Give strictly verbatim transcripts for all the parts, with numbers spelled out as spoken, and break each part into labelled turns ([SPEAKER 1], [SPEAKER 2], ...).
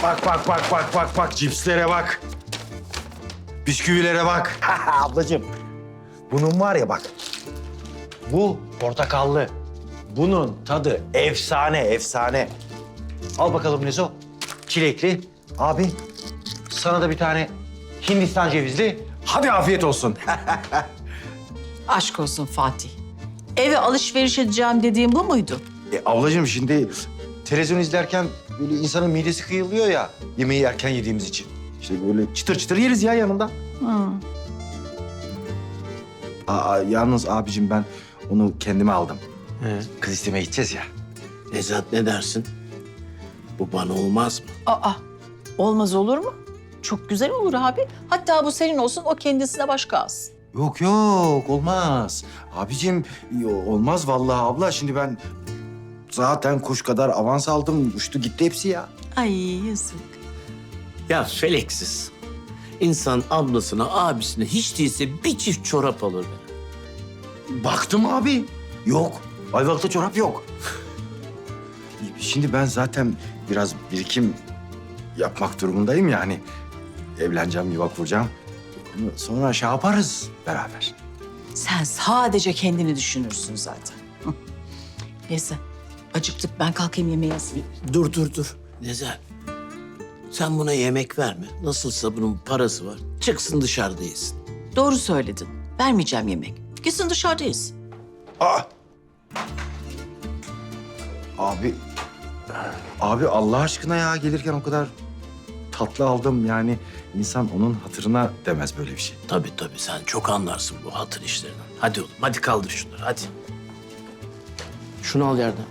[SPEAKER 1] Bak bak bak bak bak bak cipslere bak. Bisküvilere bak. Ablacığım. Bunun var ya bak. Bu portakallı. Bunun tadı efsane efsane. Al bakalım Nezo. Çilekli. Abi sana da bir tane Hindistan cevizli. Hadi afiyet olsun.
[SPEAKER 2] Aşk olsun Fatih. Eve alışveriş edeceğim dediğim bu muydu?
[SPEAKER 1] E, ablacığım şimdi televizyon izlerken böyle insanın midesi kıyılıyor ya yemeği erken yediğimiz için. İşte böyle çıtır çıtır yeriz ya yanında.
[SPEAKER 2] Hı.
[SPEAKER 1] Aa, yalnız abicim ben onu kendime aldım.
[SPEAKER 3] He.
[SPEAKER 1] Kız istemeye gideceğiz ya.
[SPEAKER 3] Nezahat ne dersin? Bu bana olmaz mı?
[SPEAKER 2] Aa, olmaz olur mu? Çok güzel olur abi. Hatta bu senin olsun, o kendisine başka alsın.
[SPEAKER 1] Yok yok olmaz. Abicim yo- olmaz vallahi abla. Şimdi ben zaten kuş kadar avans aldım. Uçtu gitti hepsi ya.
[SPEAKER 2] Ay yazık.
[SPEAKER 3] Ya feleksiz. İnsan ablasına, abisine hiç değilse bir çift çorap alır.
[SPEAKER 1] Baktım abi. Yok. Ayvalık'ta çorap yok. Şimdi ben zaten biraz birikim yapmak durumundayım yani. Evleneceğim, yuva kuracağım. Sonra şey yaparız beraber.
[SPEAKER 2] Sen sadece kendini düşünürsün zaten. Hı. Neyse, acıktık. Ben kalkayım yemeğe hazırlayayım.
[SPEAKER 3] Dur dur dur. Nezahat. Sen buna yemek verme. Nasılsa bunun parası var. Çıksın dışarıda yesin.
[SPEAKER 2] Doğru söyledin. Vermeyeceğim yemek. Gitsin dışarıdayız.
[SPEAKER 1] Aa! Abi, abi Allah aşkına ya gelirken o kadar tatlı aldım yani insan onun hatırına demez böyle bir şey.
[SPEAKER 3] Tabii tabii sen çok anlarsın bu hatır işlerinden. Hadi oğlum hadi kaldır şunları hadi. Şunu al yerden.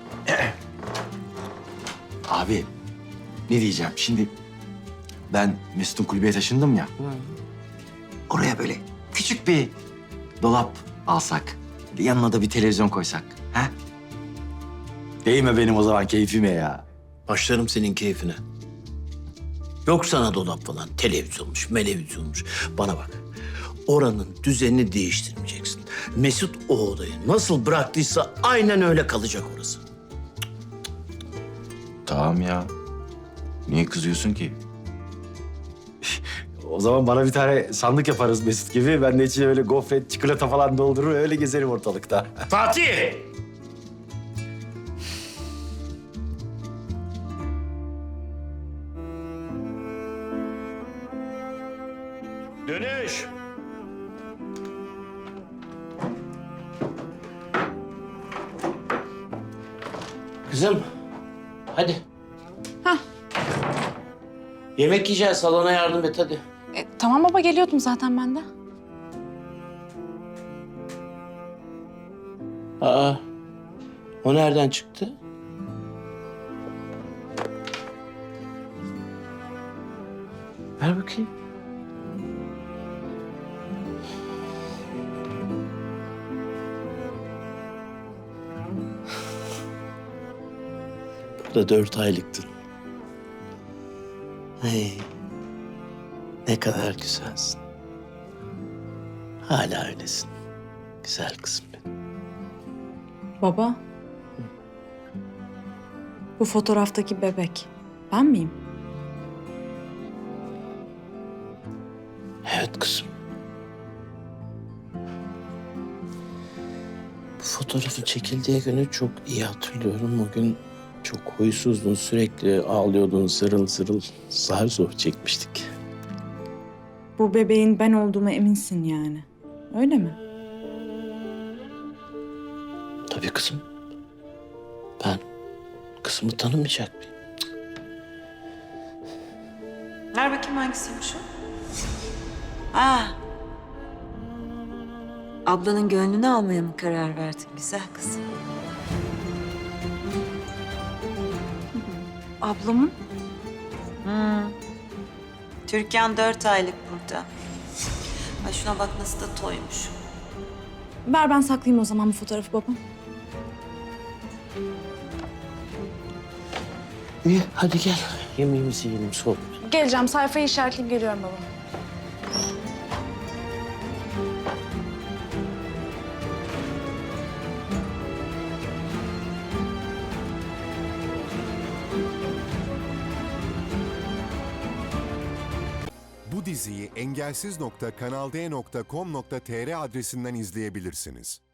[SPEAKER 1] Abi ne diyeceğim şimdi ben Mesut'un kulübeye taşındım ya. Oraya böyle küçük bir dolap alsak, yanına da bir televizyon koysak. Ha? Değme benim o zaman keyfime ya.
[SPEAKER 3] Başlarım senin keyfine. Yok sana dolap falan. Televizyonmuş, melevizyonmuş. Bana bak. Oranın düzenini değiştirmeyeceksin. Mesut o odayı nasıl bıraktıysa aynen öyle kalacak orası.
[SPEAKER 1] Tamam ya. Niye kızıyorsun ki? O zaman bana bir tane sandık yaparız Mesut gibi. Ben de içine öyle gofret, çikolata falan doldurur, öyle gezerim ortalıkta.
[SPEAKER 3] Fatih! Dönüş! Kızım, hadi.
[SPEAKER 4] Hah.
[SPEAKER 3] Yemek yiyeceğiz, salona yardım et hadi.
[SPEAKER 4] E, tamam baba, geliyordum zaten ben de.
[SPEAKER 3] Aa, o nereden çıktı? Ver bakayım. Bu da dört aylıktın. Hey, ne kadar güzelsin. Hala öylesin. Güzel kızım benim.
[SPEAKER 4] Baba. Bu fotoğraftaki bebek ben miyim?
[SPEAKER 3] Evet kızım. Bu fotoğrafın çekildiği günü çok iyi hatırlıyorum. O gün çok huysuzdun, sürekli ağlıyordun, zırıl zırıl. Zar zor çekmiştik.
[SPEAKER 4] Bu bebeğin ben olduğuma eminsin yani. Öyle mi?
[SPEAKER 3] Tabii kızım. Ben kızımı tanımayacak mıyım?
[SPEAKER 5] Ver bakayım hangisiymiş o? Aa. Ablanın gönlünü almaya mı karar verdin güzel kızım?
[SPEAKER 4] Ablamın?
[SPEAKER 5] Hmm. Türkan dört aylık burada. Ay şuna bak nasıl da toymuş.
[SPEAKER 4] Ver ben saklayayım o zaman bu fotoğrafı babam.
[SPEAKER 3] İyi, hadi gel. Yemeğimizi yiyelim, soğuk.
[SPEAKER 4] Geleceğim, sayfayı işaretleyip geliyorum baba.
[SPEAKER 6] diziyi engelsiz nokta kanalde nokta com nokta tr adresinden izleyebilirsiniz.